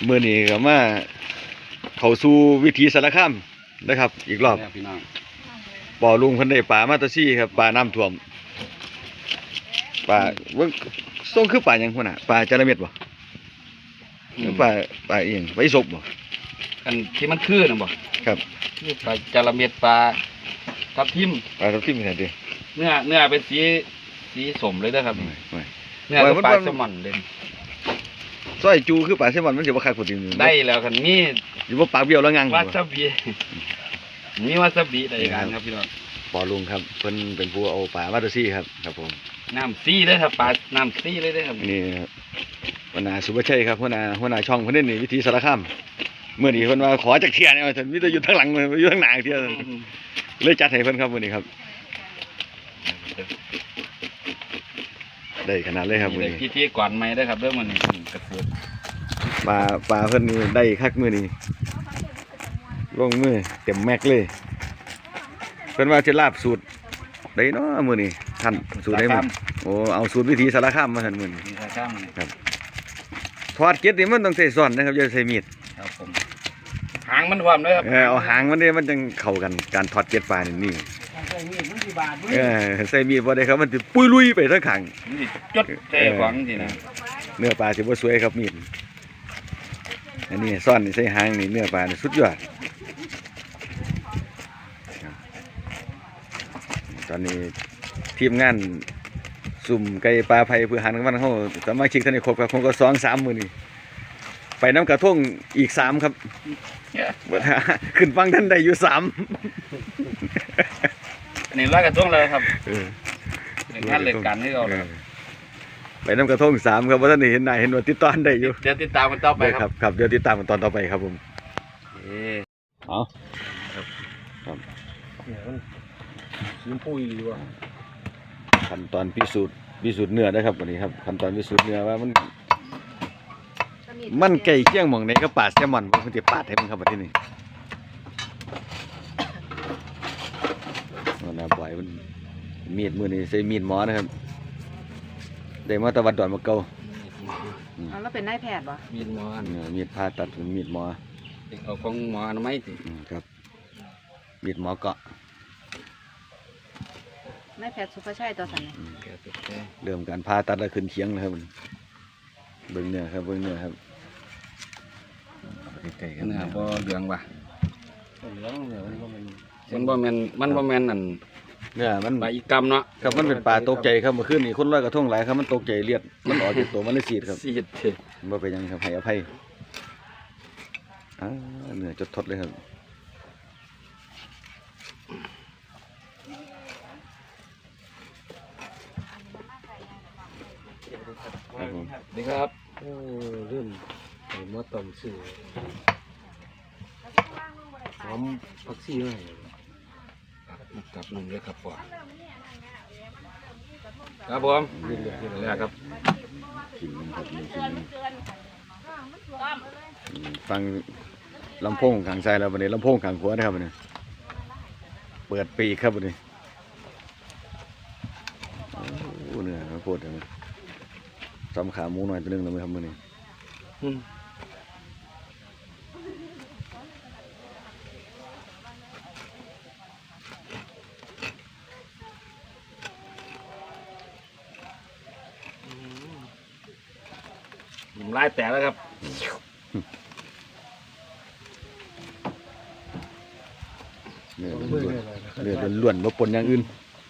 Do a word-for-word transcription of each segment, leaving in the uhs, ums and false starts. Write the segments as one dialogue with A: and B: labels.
A: มื้อนี้ก็มาเข้าสู่วิถีสารคามนะครับอีกรอบบ่อลุงเพิ่นได้ปลามาตะซี่ครับปลาน้ำท่วมปลาเบิ่งส่งคือปลาหยังพุ่นน่ะปลาจระเม็ดบ่ปลาปลาอีหยังปลาอีสบบ่
B: อันที่มันคือน่ะบ่
A: ครับ
B: คือปลาจระเม็ดปลาทับทิม
A: ปลาทับทิมซั่นติ
B: เนื้อเนื้อเป็นสีสีสมเลยเด้อครับเนื้อปลาแซลมอนเด่น
A: ซอยจูคือปลาแซลมอนมันสิบ่คักกว่าติ
B: ได้แล้วคันนี้
A: อยู่บ่ปากเบี้ยวแล้วงัง
B: วาซาบิมีวาซาบิได้กันครับพี่น้อง
A: ปอลุงครับเพิ่นเป็นผู้เอาปลามาตะซี่ครับครับผม
B: น้ำซี่เลยครับปลาน้ำซี่เลยเด้อครับ
A: นี่ครับหัวหน้าสุภชัยครับหัวหน้าหัวหน้าช่องเพิ่นนี่วิถีสารคามมื้อนี้เพิ่นว่าขอจักเที่ยเนี่ยว่าซั่นมีแต่อยู่ทางหลังอยู่ทางหน้าเที่ยเลยจัดให้เพิ่นครับมื้อนี้ครับได้ขนาดเลยครับมื้อนี้
B: พิธีก่อนใหม่เด้อครับเด้อมื้อนี้กระเสือ
A: ปลาปลาเพิ่นนี่ได้คักมื้อนี้ลงมือเต็มแม็กเลยเพิ่นว่าสิลาบสูตรได้เนาะมื้อนี้ท่านสูตรได้มั้ยโอ้เอาสูตรวิถีสารคามมาซั่นมื้อนี้
B: สารคาม
A: ครับทอดเก็ดนี่มันต้องใช้ซ่อนนะครับอย่าใช้มีด
B: ครับผมหางมันพร้อมเด้อครับ
A: เออเอาหางมันนี่มันจังเข้ากันการทอดเก็ดปลานี่นี่
B: ใส่มีดมันสิบาด
A: เออใส่มีดบ่ได้ครับมันสิปุยลุยไปทั้งข้าง
B: นี่จดใส่ของสินะ
A: เนื้อปลาสิบ่สวยครับมีดอันนี้ซ่อนนี่ใส่หางนี่เนื้อปลานี่สุดยอดตอนนี้ทีมงานสุ่มไก่ปลาไผ่เพื่อหันกันวันเขาสามารถชิกท่านในครบครับคงก็สองสามมือนี่ไปน้ำกระทงอีกสามครับขึ้นฟังท่านได้อยู่สาม
B: อันนี้ร้อยกระทงเลยครับเรื่องงานเรื่องการที่เรา
A: ไปน้ำกระทงสามครับว่าท่านเห็นนายเห็นว่าติดตอนได้อยู่
B: เดี๋ยวติดตามกันต่อไปครับ
A: ครับเดี๋ยวติดตามกันตอนต่อไปครับผมอ๋อครับ
B: ชิ้นปุยดีว่ะ
A: ขั้นตอนพิสูจน์พิสูจน์เนื้อนะครับวันนี้ครับขั้นตอนพิสูจน์เนื้อว่ามันมันไก่เคี่ยงหม่องในก็ปาดแซลมอนมันจะปาดให้มันครับแบบนี้มันน่าบ่อยมันมีดมือนี่ใช้มีดหมอนะครับได้มาตะวันดอนมาเก่า
C: อ๋อแล้วเป็นนายแพทย์ป่ะ
B: มีดหมอ
A: มีดผ่าตัดมีดหมอ
B: เอาของหมออนามัยสิ
A: ครับมีดหมอเกาะ
C: นายแพทย์สุภชัยตัวสันนี่
A: เริ่มการผ่าตัดแล้วขึ้นเคียงแล้วครับเบิ้งเนื้อครับเบิ้งเนื้อครับ
B: ไก่กันเนื้อบ่เหลืองว่ะเหลืองเนื้อมันบ่แม่นมันบ่แม่นนั่น
A: เนื้อมัน
B: ปลาอีกรรมเนาะ
A: ครับมันเป็นปลาตกใจครับเมื่อคืนนี้คนร้อยกระทงหลายครับมันตกใจเลียดมันออกจากตัวมันเลยสีดครับ
B: สีด
A: บ่เป็นยังครับให้อภัยอ่าเนื้อจดทดเลยครับ
B: ดีครับโอ้เริ่มมอต้มสื่อหอมผักชีหน่อยกับหนึ่งเลยครับพ่อครับผมนี่แหละครับ
A: กินครับกินฟังลำโพงขังใจแล้ววันนี้ลำโพงขังหัวนะครับวันนี้เปิดปีกครับวันนี้โอ้เนื้อโคตรเลยจำขาหมูหน่อยตัวนึงเลยไหมครับมื่อนี้
B: ผมไล่แต่แล้วครับ
A: เนื้อล้วนเนื้อล้วนๆบ่ปนอย่างอื่น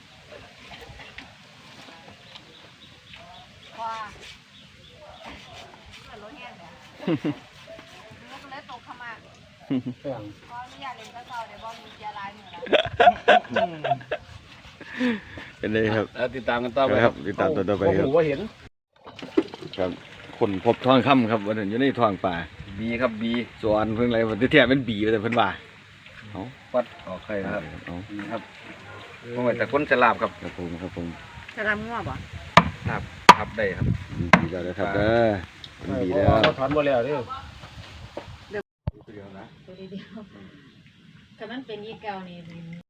A: เป็นเลยครับ
B: ติดตามกันต่อไป
A: ครับติดตามต่อไปครับ
B: ว่าเห็น
A: ครับคนพบทองคำครับวันนี้อยู่ในทองป่า
B: บีครับบี
A: ส่วนเพิ่งอะไรวันที่แท้เป็นบีแต่เพิ่นว่า
B: เอาวัดออกใครครับนี่ครับพวกแต่คนฉลาบครับ
A: ครับผมครับผม
C: ฉลาบงัวบ่
A: ครับ
B: ครับได้ครับ
A: บีแล้วนะครับเด้อบีแล้ว
B: เขาถอนบ่แล้วเด้อ
C: เดี๋ยวนะตัวเดียวแต่มันเป็นยี่เก่านี่